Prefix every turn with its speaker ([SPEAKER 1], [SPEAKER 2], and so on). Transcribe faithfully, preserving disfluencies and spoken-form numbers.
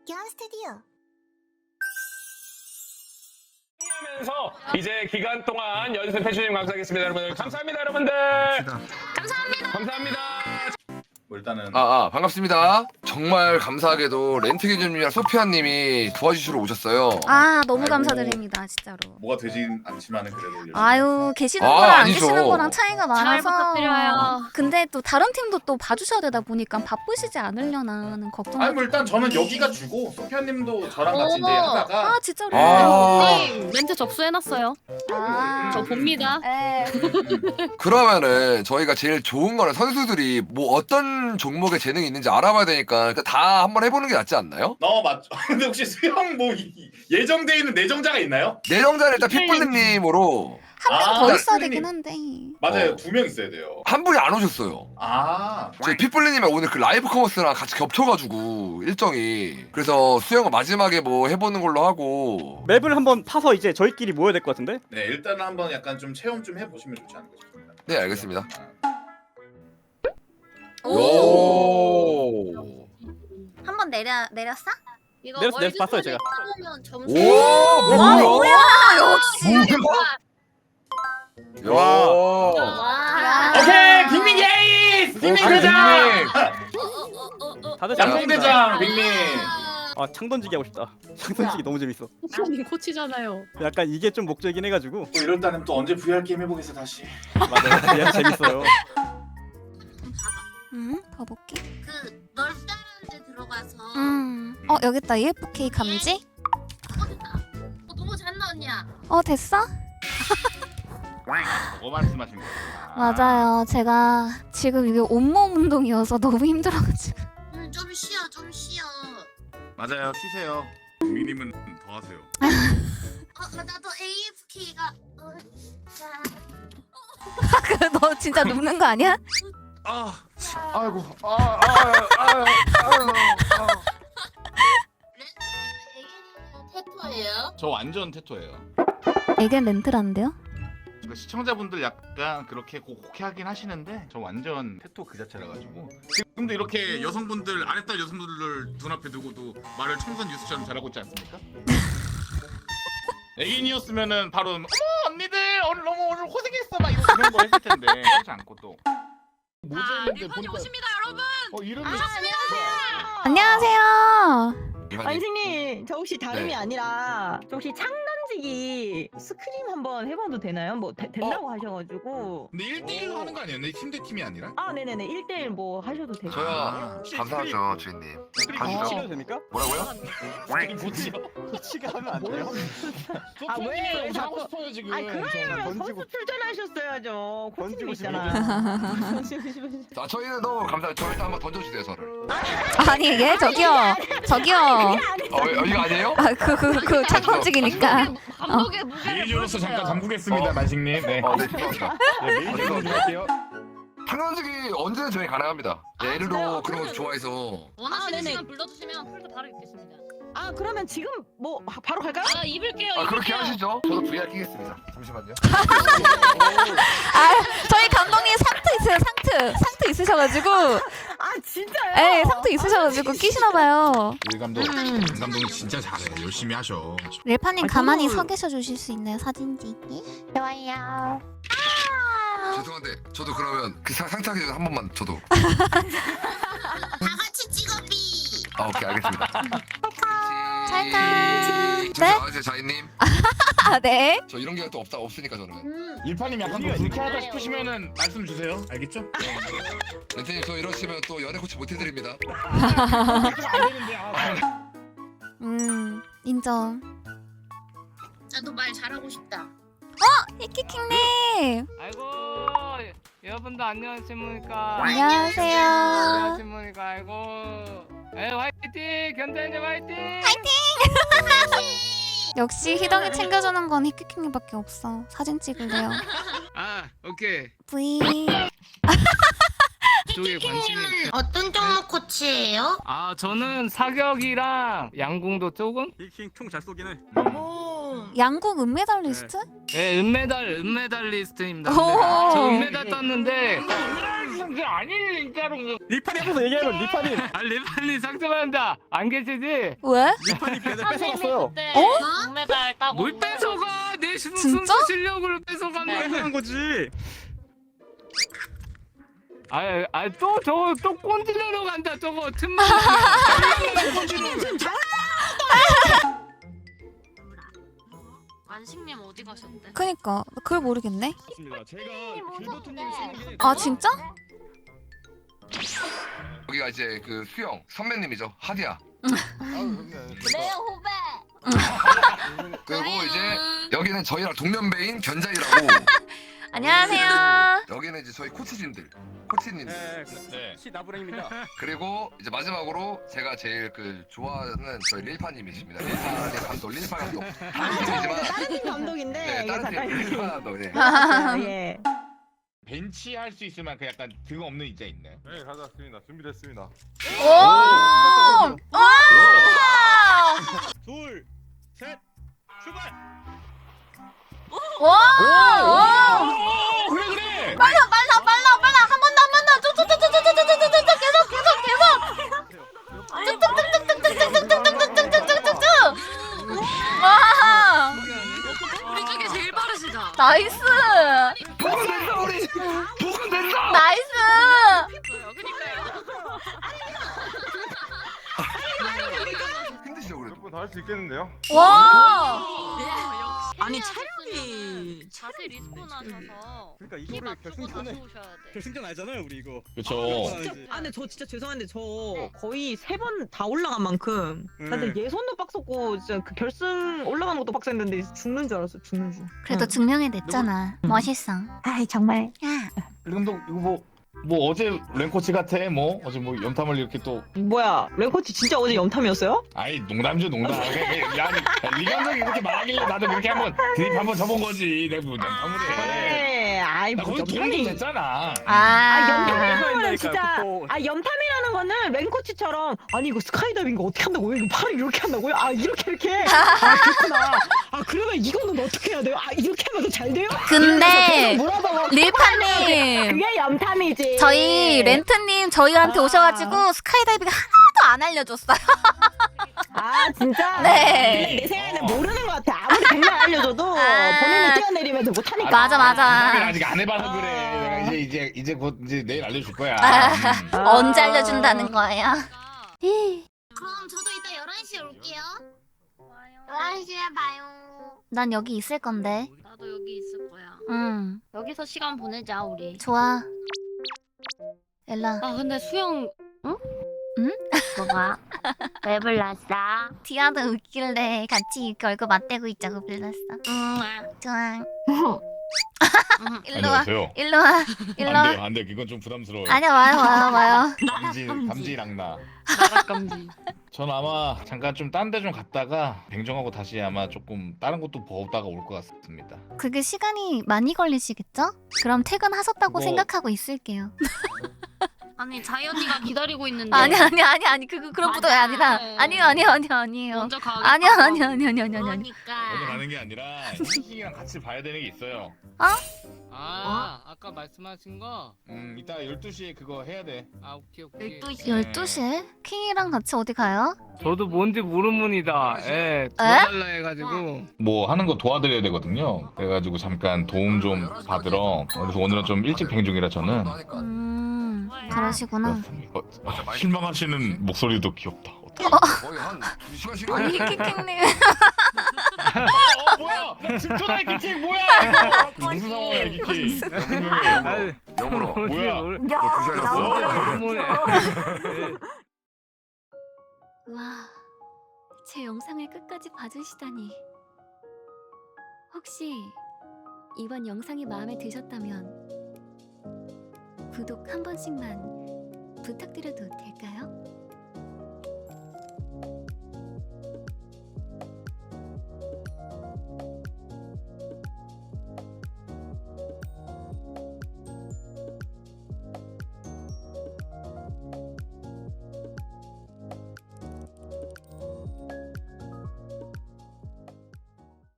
[SPEAKER 1] 박현 스튜디오.
[SPEAKER 2] 하면서 이제 기간 동안 연습해 주시면 감사하겠습니다, 여러분들. 감사합니다, 여러분들.
[SPEAKER 3] 감사합니다.
[SPEAKER 2] 감사합니다.
[SPEAKER 4] 뭐 일단은
[SPEAKER 5] 아, 아 반갑습니다. 정말 감사하게도 렌트기준님이랑 소피아님이 도와주시러 오셨어요.
[SPEAKER 3] 아 너무
[SPEAKER 4] 아이고.
[SPEAKER 3] 감사드립니다 진짜로.
[SPEAKER 4] 뭐가 되진 않지만은 그래도 열심히.
[SPEAKER 3] 아유 계시는
[SPEAKER 5] 아,
[SPEAKER 3] 거랑 안
[SPEAKER 5] 아니죠.
[SPEAKER 3] 계시는 거랑 차이가 많아서.
[SPEAKER 6] 부탁드려요.
[SPEAKER 3] 근데 또 다른 팀도 또 봐주셔야 되다 보니까 바쁘시지 않으려나 하는 걱정.
[SPEAKER 4] 아니 뭐 일단 저는 여기가 주고 소피아님도 저랑 같이 이제 하다가
[SPEAKER 3] 아 진짜로.
[SPEAKER 5] 아.
[SPEAKER 6] 님 멘트 접수해놨어요.
[SPEAKER 3] 아.
[SPEAKER 6] 저 봅니다.
[SPEAKER 3] 에.
[SPEAKER 5] 그러면은 저희가 제일 좋은 거는 선수들이 뭐 어떤 종목에 재능이 있는지 알아봐야 되니까 그러니까 다 한번 해보는 게 낫지 않나요?
[SPEAKER 4] 어 맞죠. 근데 혹시 수영 뭐 이- 예정돼 있는 내정자가 있나요?
[SPEAKER 5] 내정자는 일단 핏불님으로
[SPEAKER 3] 한 명
[SPEAKER 4] 아,
[SPEAKER 3] 더 있어야
[SPEAKER 4] 선생님.
[SPEAKER 3] 되긴 한데.
[SPEAKER 4] 맞아요.
[SPEAKER 5] 어.
[SPEAKER 4] 두 명 있어야 돼요.
[SPEAKER 5] 한 분이 안 오셨어요.
[SPEAKER 4] 아
[SPEAKER 5] 저희 핏불님이랑 오늘 그 라이브 커머스랑 같이 겹쳐가지고 일정이 그래서 수영은 마지막에 뭐 해보는 걸로 하고
[SPEAKER 7] 맵을 한번 파서 이제 저희끼리 모여야 될 것 같은데?
[SPEAKER 4] 네 일단은 한번 약간 좀 체험 좀 해보시면 좋지 않을까 싶습니다.
[SPEAKER 5] 네 알겠습니다.
[SPEAKER 3] 오.
[SPEAKER 5] 오.
[SPEAKER 3] 한번 내려 내렸어?
[SPEAKER 6] 이거
[SPEAKER 7] 내렸- 내렸- 봤어요, 제가.
[SPEAKER 6] 보면 점수.
[SPEAKER 5] 오 뭐야?
[SPEAKER 3] 뭐야 역시.
[SPEAKER 5] 야.
[SPEAKER 3] 와.
[SPEAKER 4] 오케이 빅민 예이스 빅민
[SPEAKER 5] 오,
[SPEAKER 4] 대장
[SPEAKER 5] 빅민.
[SPEAKER 7] 다들
[SPEAKER 4] 양궁
[SPEAKER 7] 잘하신다.
[SPEAKER 4] 대장 빅민.
[SPEAKER 7] 아, 창 던지기 하고 싶다. 창 던지기 너무 재밌어.
[SPEAKER 6] 코치님 코치잖아요.
[SPEAKER 7] 약간 이게 좀 목적이긴 해가지고.
[SPEAKER 4] 또 이럴 때는 또 언제 브이알 게임 해보겠어 다시.
[SPEAKER 7] 맞아요. 그냥 재밌어요.
[SPEAKER 3] 응 봐볼게.
[SPEAKER 1] 그 넓다라는 데 들어가서
[SPEAKER 3] 음. 어 여기 있다 이에프케이 감지.
[SPEAKER 1] 어, 너무 잘 나왔냐?
[SPEAKER 3] 어 됐어?
[SPEAKER 4] 뭐 말씀하신 거예요?
[SPEAKER 3] 맞아요. 제가 지금 이게 온몸 운동이어서 너무 힘들어가지고.
[SPEAKER 1] 음, 좀 쉬어, 좀 쉬어.
[SPEAKER 4] 맞아요. 쉬세요. 빅민님은 더 하세요.
[SPEAKER 1] 어, 나도 에이에프케이가. 어, 자,
[SPEAKER 3] 그래 너 진짜 눕는 거 아니야?
[SPEAKER 4] 아, 아이고, 아, 아, 아, 아, 아.
[SPEAKER 1] 에이에프케이 테토예요?
[SPEAKER 4] 저 완전 테토예요.
[SPEAKER 3] 이게 렌트라는데요?
[SPEAKER 4] 그 시청자분들 약간 그렇게 고혹해하긴 하시는데 저 완전 테토 그 자체라 가지고 지금도 이렇게 여성분들 아랫달 여성분들을 눈앞에 두고도 말을 청선 유수처럼 잘하고 있지 않습니까? 애인이었으면은 바로 어머 언니들 오늘 너무 오늘 고생했어 막 이런 그런 거 했을 텐데 그렇지 않고 또 모자인데 보니까
[SPEAKER 6] 오십니다 여러분.
[SPEAKER 4] 어 이름이
[SPEAKER 3] 안녕하세요.
[SPEAKER 8] 안승님, 저 혹시 다름이
[SPEAKER 5] 네.
[SPEAKER 8] 아니라 저 혹시 창 던지기 스크림 한번 해봐도 되나요? 뭐 되, 된다고 하셔가지고.
[SPEAKER 4] 근데 일 대일로 하는 거 아니에요? 팀 대 팀이 아니라?
[SPEAKER 8] 아, 네네네. 일 대일 뭐 하셔도 되고.
[SPEAKER 5] 저야 감사하죠 주인님. 가시죠.
[SPEAKER 7] 고치셔도 됩니까?
[SPEAKER 5] 뭐라고요?
[SPEAKER 7] 고치. 고치가 하면 안 돼요?
[SPEAKER 8] 아, 왜?
[SPEAKER 4] 하고
[SPEAKER 8] 자꾸-
[SPEAKER 4] 싶어요 지금.
[SPEAKER 8] 아, 그러면
[SPEAKER 7] 던지고-
[SPEAKER 8] 선수 출전하셨어야죠. 코치님
[SPEAKER 7] 던지고
[SPEAKER 8] 있잖아. 던지고 싶으시-
[SPEAKER 5] 자 저희는 너무 감사해요. 저 일단 한번 던져주세요 저를.
[SPEAKER 3] 아니 얘 저기요. 저기요.
[SPEAKER 5] 어 어, 이거 아니에요?
[SPEAKER 3] 아 그 그 그 창 던지기니까.
[SPEAKER 6] 감독의 무게를
[SPEAKER 2] 메이저로서 잠깐
[SPEAKER 6] 보여주세요.
[SPEAKER 2] 잠그겠습니다,
[SPEAKER 5] 어.
[SPEAKER 2] 만식님. 네.
[SPEAKER 5] 어, 네, 죄송합니다.
[SPEAKER 2] 네, 메이저로 좀 할게요.
[SPEAKER 5] 탕던지기 언제든 저희 가능합니다. 네, 예를 들어 그런 거 좋아해서.
[SPEAKER 6] 원하시는
[SPEAKER 8] 아, 네네.
[SPEAKER 6] 시간 불러주시면 풀도 바로 입겠습니다.
[SPEAKER 8] 아, 그러면 지금 뭐 바- 바로 갈까요?
[SPEAKER 6] 아 입을게요.
[SPEAKER 5] 아 그렇게
[SPEAKER 6] 입을게요.
[SPEAKER 5] 하시죠. 저도 브이알 끼겠습니다. 잠시만요.
[SPEAKER 3] 아 저희 감독님 상트 있어요 상트. 상트 있으셔가지고.
[SPEAKER 8] 아, 진짜요?
[SPEAKER 3] 에 상트 있으셔가지고 끼시나봐요.
[SPEAKER 4] 일 감독,
[SPEAKER 3] 음.
[SPEAKER 4] 일 감독이 진짜 잘해. 열심히 하셔.
[SPEAKER 3] 릴파님
[SPEAKER 8] 아,
[SPEAKER 3] 가만히
[SPEAKER 8] 저도-
[SPEAKER 3] 서 계셔 주실 수 있나요 사진 찍기? 좋아요.
[SPEAKER 5] 죄송한데 저도 그러면 그 상- 상차하기 전에 한 번만 저도.
[SPEAKER 1] 다 같이 찍어비.
[SPEAKER 5] 아 오케이 알겠습니다.
[SPEAKER 3] 찰칵.
[SPEAKER 5] 네?
[SPEAKER 3] 네?
[SPEAKER 5] 아세요 자이님?
[SPEAKER 3] 아 네.
[SPEAKER 5] 저 이런 게 또 없다 없으니까 저는.
[SPEAKER 1] 음.
[SPEAKER 2] 일파님 약간 더 불쾌하다 싶으시면은 말씀 주세요. 알겠죠?
[SPEAKER 5] 렌트님 저 이러시면 또 연애 코치 못 해드립니다.
[SPEAKER 2] 안 되는데. 아,
[SPEAKER 3] 음 인정.
[SPEAKER 1] 나도 말 잘하고 싶다.
[SPEAKER 3] 히키킹님
[SPEAKER 9] 아이고 여러분들 안녕하십니까.
[SPEAKER 3] 안녕하세요.
[SPEAKER 9] 안녕하십니까. 아이고 에 화이팅 견자님 화이팅.
[SPEAKER 3] 역시 희덩이 챙겨주는 건 히키킹님밖에 없어. 사진 찍을래요.
[SPEAKER 9] 아 오케이
[SPEAKER 3] V.
[SPEAKER 9] 쪽에 관심이.
[SPEAKER 1] 음, 어떤 종목 코치예요?
[SPEAKER 9] 아 저는 사격이랑 양궁도 조금.
[SPEAKER 7] 힐킹 총 잘 쏘긴 해.
[SPEAKER 1] 오. 양궁.
[SPEAKER 3] 양궁 은메달리스트?
[SPEAKER 9] 예, 은메달 은메달리스트입니다.
[SPEAKER 3] 오.
[SPEAKER 9] 저 은메달 땄는데 그게 아니에요 진짜로.
[SPEAKER 7] 리판이 앞에서 얘기하면 리판이
[SPEAKER 9] 아 리판이 상처받는다. 안 계시지?
[SPEAKER 3] 왜?
[SPEAKER 7] 리판이 걔네 뺏어갔어요.
[SPEAKER 6] 그때
[SPEAKER 3] 어?
[SPEAKER 6] 동메달 따고
[SPEAKER 9] 뭘 뺏어가? 내 수-
[SPEAKER 3] 진짜?
[SPEAKER 9] 선수 실력을 뺏어간 거야.
[SPEAKER 7] 뺏어간 거지.
[SPEAKER 9] 아아또 저거 또 꼰질러러 간다 저거 틈만.
[SPEAKER 6] 완식님 어디 가셨대?
[SPEAKER 3] 그니까 그걸 모르겠네.
[SPEAKER 7] 맞습니다. 제가 길버트님 쓰는 게
[SPEAKER 3] 아 진짜?
[SPEAKER 5] 여기가 이제 그 수영 선배님이죠. 하디야.
[SPEAKER 1] 그래요 후배.
[SPEAKER 5] 그리고 이제 여기는 저희랑 동년배인 견자이라고.
[SPEAKER 3] 안녕하세요.
[SPEAKER 5] 여기는 이제 저희 코치진들, 코치님들.
[SPEAKER 7] 네,
[SPEAKER 5] 네.
[SPEAKER 7] 시 나부랭입니다.
[SPEAKER 5] 그리고 이제 마지막으로 제가 제일 그 좋아하는 저희 릴파님이십니다. 릴파 감독, 릴파 감독. 다른 팀이지만
[SPEAKER 8] 다른 팀 감독인데
[SPEAKER 5] 네,
[SPEAKER 8] 이게
[SPEAKER 5] 다른 팀
[SPEAKER 8] 잠깐
[SPEAKER 5] 릴파 감독. 네.
[SPEAKER 8] 아, 예.
[SPEAKER 4] 벤치 할 수 있을 만큼 약간 등 없는 의자 있네.
[SPEAKER 10] 네, 가져왔습니다. 준비됐습니다.
[SPEAKER 3] 오! 와!
[SPEAKER 7] 둘, 셋, 출발.
[SPEAKER 3] 와! 와!
[SPEAKER 2] 오, 그래 그래.
[SPEAKER 3] 빨라 빨라 빨라 빨라 한 번 더 한 번 더 쭉쭉쭉쭉쭉쭉쭉쭉쭉 계속 계속 계속 계속 쭉쭉쭉쭉쭉쭉쭉쭉쭉쭉쭉 와!
[SPEAKER 6] 우리 중에 제일 빠르시다.
[SPEAKER 3] 나이스!
[SPEAKER 5] 복은 됐어 우리. 복은 됐어.
[SPEAKER 3] 나이스!
[SPEAKER 6] 그니까요.
[SPEAKER 5] 힘드시죠 그래도.
[SPEAKER 10] 몇 분 다 할 수 있겠는데요?
[SPEAKER 3] 와!
[SPEAKER 6] 아니 체력이 자세 리스폰 하셔서
[SPEAKER 7] 그러니까
[SPEAKER 6] 이
[SPEAKER 7] 이거를
[SPEAKER 6] 맞추고
[SPEAKER 7] 결승전에
[SPEAKER 6] 맞춰오셔야 돼.
[SPEAKER 7] 결승전 알잖아요, 우리 이거.
[SPEAKER 2] 그렇죠.
[SPEAKER 8] 아 근데 저 진짜 죄송한데 저 거의 세 번 다 올라간 만큼 다들
[SPEAKER 7] 네.
[SPEAKER 8] 예선도 빡셌고 진짜 그 결승 올라가는 것도 빡셌는데 죽는 줄 알았어 죽는 줄.
[SPEAKER 3] 그래도 증명해냈잖아. 멋있어.
[SPEAKER 8] 아이 정말.
[SPEAKER 4] 감독 이거 뭐 뭐 어제 랭코치 같아 뭐 어제 뭐 염탐을 이렇게 또
[SPEAKER 8] 뭐야 랭코치 진짜 어제 염탐이었어요?
[SPEAKER 4] 아이 농담이죠 농담. 야 리 감독이 이렇게 말하길래 나도 그렇게 한번 드립 한번 쳐본 거지. 내가 뭐 염탐을 해.
[SPEAKER 8] 네, 아이
[SPEAKER 4] 나
[SPEAKER 8] 뭐
[SPEAKER 4] 거기서 도움이
[SPEAKER 8] 염탐이.
[SPEAKER 4] 됐잖아.
[SPEAKER 8] 아
[SPEAKER 3] 아,
[SPEAKER 8] 염탐이라는 거는
[SPEAKER 7] 그러니까
[SPEAKER 8] 진짜
[SPEAKER 7] 그거-
[SPEAKER 8] 아 염탐이라는 거는 랭코치처럼 아니 이거 스카이다이빙 이거 어떻게 한다고요? 이거 팔을 이렇게 한다고요? 아 이렇게 이렇게 아 그렇구나. 아 그러면 이거는 어떻게 해야 돼요? 아 이렇게 하면 더 잘 돼요?
[SPEAKER 3] 근데
[SPEAKER 8] 뭐라고
[SPEAKER 3] 릴파님
[SPEAKER 8] 그게 염탐이지.
[SPEAKER 3] 저희 렌트님 저희한테
[SPEAKER 8] 아.
[SPEAKER 3] 오셔가지고 스카이다이빙 하나도 안 알려줬어요.
[SPEAKER 8] 아 진짜?
[SPEAKER 3] 네.
[SPEAKER 8] 근데 내 생각에는 모르는 것 같아. 아무리 백날 알려줘도
[SPEAKER 3] 아.
[SPEAKER 8] 본인이 뛰어내리면 못하니까.
[SPEAKER 3] 맞아 맞아.
[SPEAKER 4] 아직 안 해봐서 그래. 내가 이제 이제 이제 곧 이제 내일 알려줄 거야.
[SPEAKER 3] 아.
[SPEAKER 4] 음.
[SPEAKER 8] 아.
[SPEAKER 3] 언제 알려준다는 거예요?
[SPEAKER 1] 그럼 저도 이따 열한 시에 올게요. 열한 시에 봐요.
[SPEAKER 3] 난 여기 있을 건데.
[SPEAKER 6] 나도 여기 있을 거야.
[SPEAKER 3] 응,
[SPEAKER 6] 여기서 시간 보내자 우리.
[SPEAKER 3] 좋아. 엘라,
[SPEAKER 6] 아 근데 수영
[SPEAKER 1] 뭐가? 왜 불렀어?
[SPEAKER 3] 디아도 웃길래 같이 얼굴 맞대고 있자고 불렀어.
[SPEAKER 1] 응.
[SPEAKER 3] 좋아. 일로 와.
[SPEAKER 4] 안녕하세요.
[SPEAKER 3] 일로 와. 일로 와.
[SPEAKER 4] 안돼 안돼 그건 좀 부담스러워요.
[SPEAKER 3] 아니야 와요 와요 와요.
[SPEAKER 4] 감지 감지랑 나.
[SPEAKER 6] 나락감지.
[SPEAKER 4] 전 아마 잠깐 좀 딴 데 좀 갔다가 병정하고 다시 아마 조금 다른 곳도 보다가 올 것 같습니다.
[SPEAKER 3] 그게 시간이 많이 걸리시겠죠? 그럼 퇴근하셨다고
[SPEAKER 4] 뭐-
[SPEAKER 3] 생각하고 있을게요.
[SPEAKER 6] 아니 자연이가 기다리고 있는데.
[SPEAKER 3] 아니 아니 아니 아니 그거 그런 부도가
[SPEAKER 6] 맞아.
[SPEAKER 3] 아니라 아니요 아니요 아니요 아니에요.
[SPEAKER 6] 먼저 가.
[SPEAKER 3] 아니요 아니요 아니요 아니요 아니요. 아니요.
[SPEAKER 4] 오늘
[SPEAKER 1] 그러니까.
[SPEAKER 4] 가는 게 아니라 희희랑 같이 봐야 되는 게 있어요.
[SPEAKER 9] 아 아까 말씀하신 거.
[SPEAKER 4] 음 이따 열두 시에 그거 해야 돼.
[SPEAKER 9] 아 오케이 오케이.
[SPEAKER 6] 열두 시.
[SPEAKER 3] 열두 시에 킹이랑 같이 어디 가요?
[SPEAKER 9] 저도 뭔지 모르문이다. 예. 도와달라 해가지고.
[SPEAKER 4] 뭐 하는 거 도와드려야 되거든요. 그래가지고 잠깐 도움 좀 받으러. 그래서 오늘은 좀 일찍 병중이라 저는.
[SPEAKER 3] 음 그러시구나.
[SPEAKER 4] 그렇습니다. 어, 실망하시는 목소리도 귀엽다. 어떡해.
[SPEAKER 5] 거의 한두 시간씩.
[SPEAKER 3] 아니 킹킹님.
[SPEAKER 4] 어 뭐야? 나 집전화의 기팅 뭐야 이거? 무슨 상황이야 이 기팅?
[SPEAKER 7] 아유,
[SPEAKER 5] 영으로.
[SPEAKER 4] 뭐야?
[SPEAKER 5] 너두 살이었어?
[SPEAKER 9] 뭐네.
[SPEAKER 11] 와, 제 영상을 끝까지 봐주시다니. 혹시 이번 영상이 마음에 드셨다면 구독 한 번씩만 부탁드려도 될까요?